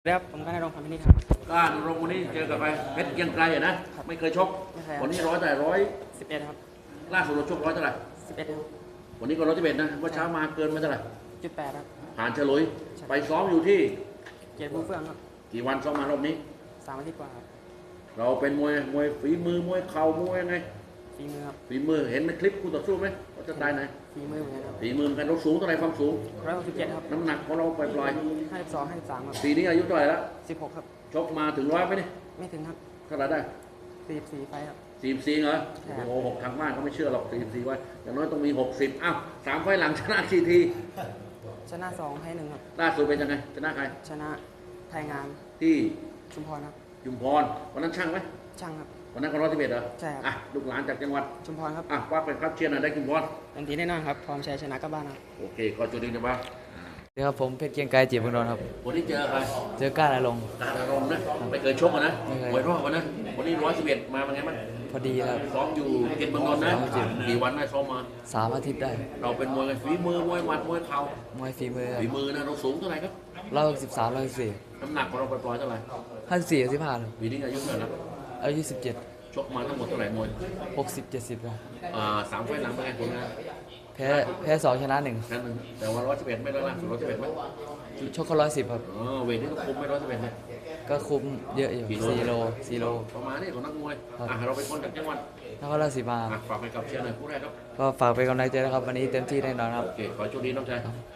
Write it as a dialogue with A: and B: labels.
A: ครับผมก็ได้ลงความพินิจครับ
B: ก็ลงวันนี้เจอกับไปเพชรเกียงไกรนะไม่เคยชก
A: ไม่เคย
B: วันนี้ร้อยแต่ร้อย
A: 11ครับ
B: ล่าสุดเราชกร้อยเท่าไหร่
A: 11ครับ
B: วันนี้ก็111นะว่าเช้ามาเกินมาเท่าไหร่
A: 8ครับ
B: ผ่านเฉลุยไปซ้อมอยู่ที่
A: เกียรติผู้เฟื่องครับ
B: กี่วันซ้อมมารอบนี้
A: 3 อาทิตย์กว่าครับ
B: เราเป็นมวยฝีมือมวยเข่ามวยยังไง
A: ฝีมือครับ
B: ฝีมือเห็นในคลิปคู่ต่อสู้ไหมว่าจะตายไหน
A: ฝีมือเหมือนกันครับ
B: ฝีมือกันเราสูงเท่าไหร่ความสูง
A: 167ครับ
B: น้ำหนักของเราปล่อย
A: 52 53ครับ
B: ปีนี้อายุเท่าไหร่แล้ว
A: 16ครับ
B: ชกมาถึงร้อยไหมนี่
A: ไม่ถึงครับ
B: เท่าไหร่ได้
A: 44ไฟครับ
B: 44เหรอโอ้โหทางบ้านเขาไม่เชื่อหรอก44ไว้อย่างน้อยต้องมี60อ้าว3 ไฟล์หลังชนะกี่ที
A: ชนะ2แพ้1ครับ
B: ล่าสุดเป็นยังไงชนะใคร
A: ชนะไทยงาม
B: ที่
A: ชุมพรครับ
B: ชุมพรวันนั้นช่างไหม
A: ช่างครับ
B: วันนั้นก็111เหรอ
A: ใช่ครับ
B: อ่ะลูกหลานจากจังหวัด
A: ชุมพรครับ
B: ว่าเป็นครับเชียร์หน่อยได้ชุมพร
A: ทันทีแน่นอนครับพร้อมชัยชนะกลับบ้านครับ
B: โอเคขอจุดดีนะบ้าง
C: เดี๋ยวครับผมเพชรเกียงไกรจีบพงศ์นนท์ครับ
B: วันนี้เจอใคร
C: เจอก้าอารมณ์
B: การอารมณ์นะไม่เคยชกนะมวยรอบนะวันนี้111มาเป็นไงบ้าง
C: พอดีครับ
B: ซ้อมอยู่เกตเมืองนนท์นะกี่วันได้ซ้อมมา
C: 3 อาทิตย์ได้
B: เราเป็นมวยฝีมือมวยหมัดมวยเข่าม
C: วยฝีมือ
B: ฝีมือนะเราสูงเท่าไหร่ครับ
C: 113 114
B: น้ำหนักของเราปล่อยๆเท่าไหร่
C: 54 15ครับ
B: ปีนี้อายุเท่าไหร่แล้ว
C: อายุ17
B: ชกมาทั้งหมดเท่าไหร่มวย
C: 60 70ครับ
B: 3 ไฟล์หลังเป็นไงผลงาน
C: แพ้2ชนะ1
B: นั่นนึงแต่ว่า111ไม่ได้ล่าสุด111ไหม
C: ชกเขา110ครับ
B: เวทนี้ต้องคุมไม่111เนี่ย
C: ก็คุมเยอะอยู่4 โล
B: ประมาณนี้ของนักมวยเราเป็นคนจากจังหวัด
C: นครราชสีมา
B: ฝากไปกับเชียร์หน่อยผู้แรกครับ
C: ก็ฝากเป็นกำลังใจนะครับวันนี้เต็มที่แน่นอนครับ
B: โอเคขอโชคดีน้องชาย